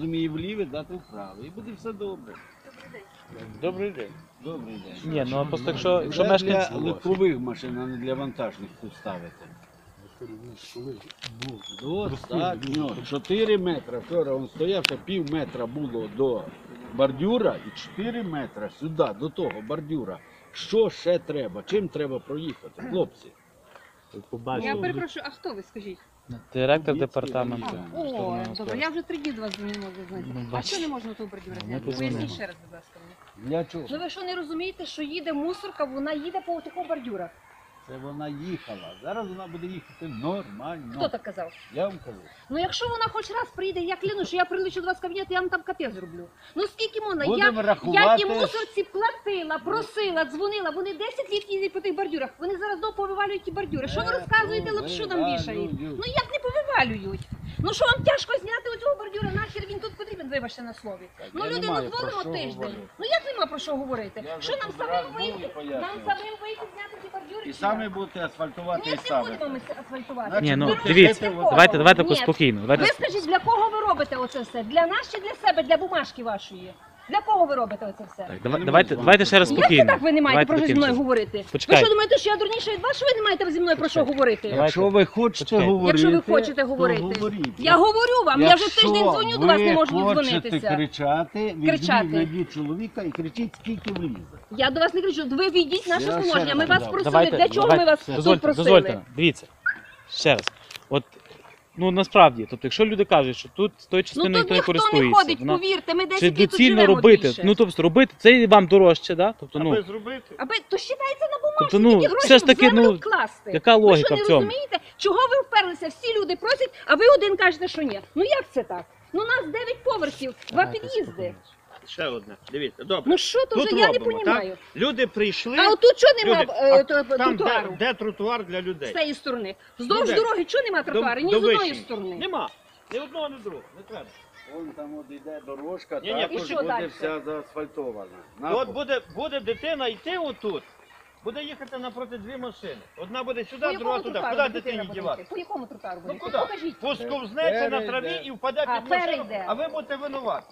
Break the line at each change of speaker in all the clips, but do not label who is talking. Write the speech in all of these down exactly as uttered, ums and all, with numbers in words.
Зуміє вліве, дати вправо. І буде все добре.
Добрий день.
Добрий день.
Ні, ну а просто якщо, якщо
Це
мешканці...
для легкових машин, а не для вантажних тут ставити. Достатньо. чотири метри. Вчора він стояв, що пів метра було до бордюра і чотири метри сюди, до того бордюра. Що ще треба? Чим треба проїхати, хлопці?
Я перепрошую, а хто ви, скажіть?
Директор
Дітки,
департаменту.
а,
О,
штурмового
добре,
склadu.
я вже три дні до вас не можу знайти.
Ну,
А
бачите.
що не можна того бордюра
Ну, ми
зняти?
позвонимо.
Поясніть ще раз, будь ласка. мені.
Для чого?
Ну ви що не розумієте, що їде мусорка, вона їде по такому бордюрах?
Це вона їхала. Зараз вона буде їхати нормально.
Хто так казав?
Я вам кажу.
Ну якщо вона хоч раз прийде, я клянусь, що я прилечу до вас в кабінет, я вам там капець зроблю. Ну скільки можна? Я,
Будемо
я
рахувати.
ті мусорці платила, просила, дзвонила, вони десять літ їздять по тих бордюрах, вони зараз знову повивалюють ті бордюри. Що ви розказуєте, лапшу нам вішають? Ну як не повивалюють? Ну що вам тяжко зняти оцього бордюра, нахер він тут потрібен, вибачте на слові. Ну
я не
люди
маю
ну
про
дзвонимо
що
тиждень.
говорити.
Ну як нема про що говорити?
Я
Що
вже
нам
тут раз
самим
був і
вийти?
пояснював.
Нам самим вийти зняти ці бордюри?
І
чи
самі
як?
будете асфальтувати
Ні,
і
не
самі.
будемо ми асфальтувати.
Ні, ну
Ви
дивіться,
для кого?
давайте, давайте
Ні.
спокійно.
Ви
Давайте...
скажіть, для кого ви робите оце все? Для нас чи для себе, для бумажки вашої? Для кого ви робите оце все?
Так, давай- давайте, давайте ще раз
Як це
спокійно.
так ви не маєте
Давайте
про що зі
таким
мною
чином.
говорити? Ви
Почекайте.
що думаєте, що я дурніша від вас, що ви не маєте зі мною про що говорити?
Давайте.
Якщо ви хочете
Почекайте.
говорити,
Якщо ви хочете
то
говорити.
говоріть.
Я говорю вам, я вже
Якщо
тиждень дзвоню до вас, не можу
ви хочете
дзвонитися.
кричати,
Кричати.
візьміть найдіть чоловіка і кричіть, скільки влізе.
Я до вас не кричу, ви війдіть наше
Я ще
положення,
раз
ми вас
казав.
просили.
Давайте,
Для чого
давайте.
ми вас тут
Дозвольте,
просили?
дозвольте, дивіться. Ще раз. От, ну насправді, тобто, якщо люди кажуть, що тут з тої
Ну
частини
тут
ніхто не
ніхто не
користується,
ходить,
вона-
повірте, ми
чи
десять літ тут
доцільно
живемо
робити,
більше.
ну тобто робити, це вам дорожче, да? Тобто, ну,
Аби зробити.
Аби то считається на бумажку,
Тобто, ну,
тільки гроші
все ж таки,
в землю
ну,
вкласти.
яка
Ви
логіка
що,
в
не
цьому?
розумієте, чого ви вперлися? Всі люди просять, а ви один кажете, що ні. Ну як це так? Ну у нас дев'ять поверхів, два під'їзди.
Ще одне. Дивіться, добре.
Ну що то
Тут
вже, я не
робимо,
розумію.
так? Люди прийшли.
А отут чого нема
Люди,
е,
а
то-
там, де,
тротуару?
де тротуар для
З
людей?
цієї сторони. Вздовж
Де?
дороги чого нема тротуару? Ні з одної
Вишні.
сторони.
Нема. Ні одного, ні другого. Не треба.
Вон там от йде дорожка,
Ні-ні,
також
і що
буде
далі?
вся заасфальтована.
От буде, буде дитина йти отут. Буде їхати напроти дві машини. Одна буде
По
сюди, друга
якому
туди.
тротуару
Куди
дитина
дитині
буде
дівати?
йти? По якому тротуару буде
Ну
йти?
куди?
Покажіть.
Посковзнеться на
Перейде.
траві і впаде
А,
під машину,
перейде.
а ви будете винуваті.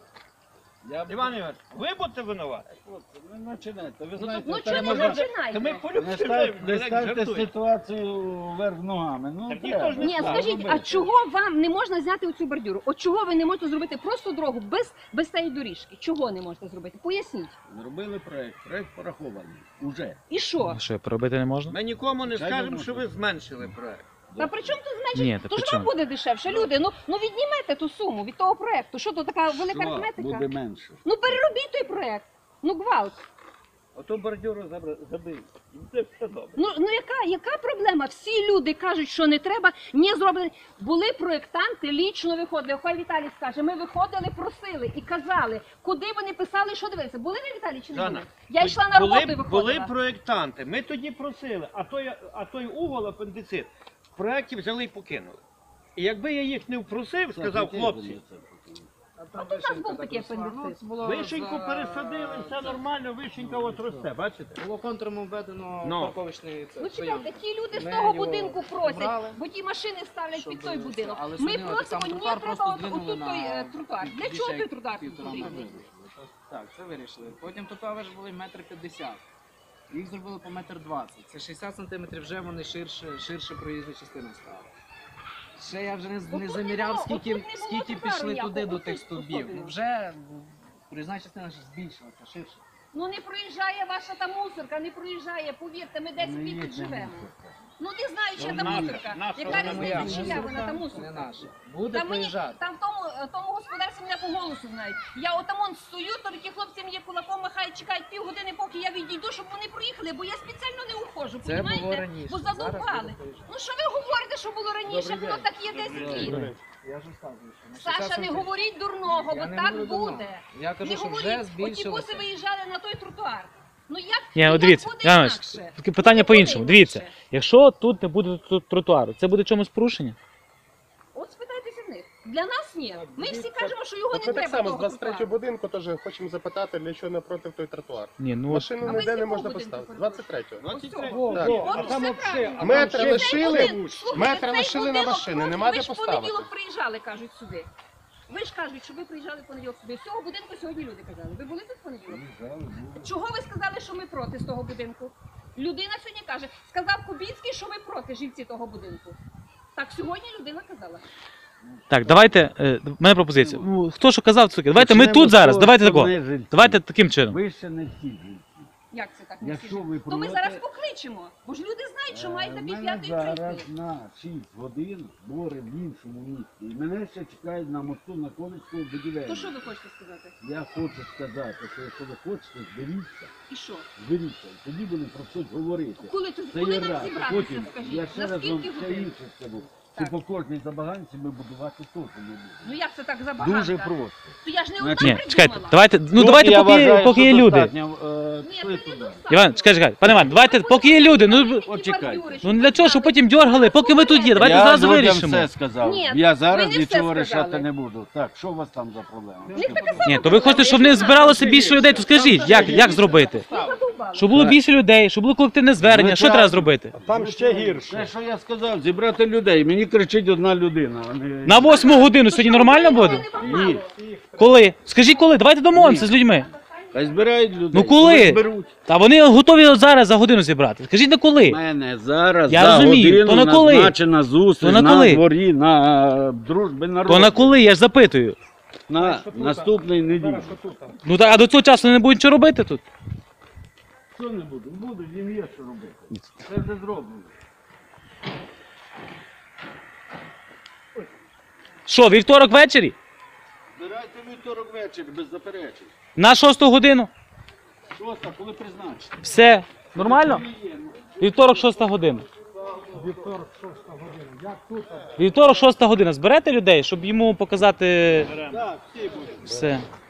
Я
Іван Іванович, ви будете винуваті.
Хлопці, не починайте. Ви
Ну,
знаєте,
ну
це
чого не
можна-
починайте?
Та ми
Не
полюбили,
ставте,
ми
не
так
ставте
жартуємо.
ситуацію вверх ногами. Ну,
Так
треба.
ніхто ж не
Ні,
Так,
скажіть, а
робити.
чого вам не можна зняти оцю бордюру? От чого ви не можете зробити просто дорогу без, без цієї доріжки? Чого не можете зробити? Поясніть.
Зробили проект, проект порахований. Уже.
І що?
що, поробити не можна?
Ми нікому не
Звичайно,
скажемо, що
можна.
ви зменшили проект.
Та при чому тут значить?
Ні, та
То
при
ж вам
чому?
буде дешевше, люди. Ну, ну віднімете ту суму від того проекту. Що то така велика
Що
арифметика?
буде менше.
Ну переробіть той проект. Ну гвалт.
Ото бордюру забив. І це все добре.
Ну, ну яка, яка проблема? Всі люди кажуть, що не треба, не зроблено. Були проєктанти, лічно виходили. Хай Віталій скаже, ми виходили, просили і казали, куди вони писали, що дивилися. Були ви, Віталій, чи не
Жанна,
були? Я йшла на роботу і
були,
виходила.
були проєктанти, ми тоді просили, а той, а той угол, апендицит, в проєкті взяли і покинули. І якби я їх не впросив, сказав, хлопці,
А тут у нас був такий апендицит.
вишеньку пересадили, все нормально, вишенька от росте, бачите?
Було контуром введено
Ну.
парковочний це.
Ну чекайте, ті люди з
Ми
того
його
будинку просять,
брали,
бо ті машини ставлять
щоб
під той
це,
будинок.
але
Ми
сьогодні
просимо,
там
ні,
тротуар
треба
просто
от-
здвинули
отут той
на
е, тротуар. Для
більше
чого той
як
тротуар тут
півтора
потрібний?
метра. Так, це вирішили. Потім тротуари ж були метр п'ятдесят. Їх зробили по метр двадцять. Це шістдесят сантиметрів вже вони ширше, ширше проїзна частина стала. Ще я вже не,
Отут
не
не
заміряв,
було-
скільки,
отут не було
скільки
тротуару
пішли
ніякого,
туди до
отут
тих стовбів.
особливо.
Ну вже проїзна частина ж збільшилася, ширше.
Ну не проїжджає ваша та мусорка, не проїжджає, повірте, ми десять
Не
літ
є
тут
ця
живемо.
мусорка.
Ну не знаю, чи
Ну,
та
наша,
мусорка.
наша,
Яка
Це не моя
різниця, чия вона та
не
мусорка?
наша. Буде
Там, мені,
проїжджати.
там в тому, е, тому господарстві мене по голосу знають. Я отамон стою, то ті хлопці мені кулаком махають, чекають півгодини, поки я відійду, щоб вони проїхали, бо я спеціально не уходжу,
Це було
понімаєте?
раніше.
Бо
Зараз
задовбали.
буде проїжджати.
Ну що ви говорите, що було раніше, воно так є десять літ.
Я ж розказую, що на
Саша,
шістдесят
не
сантиметрів.
говоріть дурного,
Я
бо
не
так
говорю дурного.
буде.
Я кажу,
Не
що
говоріть,
вже
оті
збільшилося.
буси виїжджали на той тротуар. Ну як,
Ні,
ну,
от дивіться,
як буде
Іванович,
інакше?
таке питання
Ну,
по-іншому.
буде
Дивіться,
інакше.
якщо тут не буде тут тротуару, це буде чомусь порушення?
От спитайтеся в них. Для нас ні. Ми всі кажемо, що його
От
не
ми
треба.
так само з
того
двадцять третього
тротуару.
будинку теж хочемо запитати, для чого напроти той тротуар.
Ні, ну от,
Машину
А ви з
ніде не
якого
можна
будинку
поставити.
ходили?
двадцять третього.
двадцять три.
Ось
Так.
От
А там
все
вообще-
правильно.
а
Метр
Цей
лишили,
будинок, слухайте,
метр
цей
лишили на
будинок
машини,
просто-
нема
ви
де
ж в
поставити.
понеділок приїжджали, кажуть, сюди. Ви ж кажуть, що ви приїжджали в понеділок сюди. З цього будинку сьогодні люди казали. Ви були тут в понеділок? Чого ви сказали, що ми проти з того будинку? Людина сьогодні каже, сказав Кубінський, що ви проти жильці того будинку. Так сьогодні людина казала.
Так, давайте, е, в мене пропозиція. Ну, хто що казав, це давайте ми
Почнемо
тут
з
зараз,
того,
давайте
що
тако.
не жильці.
Давайте таким чином.
Ви ще не всі жильці.
Як це так? Не
Якщо
всі
ви
ж? То ми
проти-
зараз покличемо. Бо ж люди знають, що маєте
Е,
пів
мене
п'ятої
зараз
прийти.
на шість годин збори в іншому місті. І мене ще чекають на мосту на Колицького будівельного.
То що ви хочете сказати?
Я хочу сказати, що якщо ви хочете, зберіться,
І що?
зберіться. І тоді будемо про щось говорити.
Коли, тут,
Це
коли
є
нам
раз.
зібратися,
Потім,
скажіть?
я ще
На
раз вам
скільки
ще
годин?
інше скажу.
Так.
Що по кожній забаганці ми будувати теж не будемо.
Ну як це так забагато?
Дуже просто.
То я ж не одна
Значить,
Ні,
придумала.
чекайте, давайте, ну
Тут
давайте,
я
поки,
вважаю,
поки
що
є люди.
достатньо, е,
Ні,
що
це
я тут?
недостатньо.
Іван, чекай, чекай, пане Іван, давайте, поки є люди, ну
От чекайте.
ну для чого, щоб потім дьоргали, поки ми тут є, давайте
я
зразу
людям
вирішимо.
все сказав.
Ні,
я
ви
зараз
не все
нічого
сказали.
рішати не буду. Так, що у вас там за проблема?
В них така сама
Ні, то ви хочете, щоб не збиралося більше людей, то скажіть, як, як зробити?
задовбала.
Щоб було більше людей, щоб було колективне звернення, що
Звичайно.
треба зробити?
Там ще гірше.
Те, що я сказав, зібрати людей. Мені кричить одна людина. а не-
На восьму годину сьогодні нормально буде?
Ні.
Коли? Скажіть коли, давайте домовимося з людьми.
Хай збирають людей.
Ну, коли?
Зберуть.
Та вони готові от зараз за годину зібрати. Скажіть на
У
коли?
мене зараз
Я
за
розумію.
годину
То на коли?
назначена зустріч
То на
на
коли?
дворі, на дружби народу.
То на коли, я ж запитую.
На наступний неділі.
Ну так, а до цього часу не будуть нічого робити тут?
Що не буду? Буду, їм є що робити. Це вже зроблено.
Що, вівторок ввечері?
Збирайте вівторок вечір, без заперечень.
На шосту годину?
Шоста, коли призначите?
Все. Нормально? Вівторок, шоста година. Вівторок, шоста година. Зберете людей, щоб йому показати
Так, всі будуть.
все.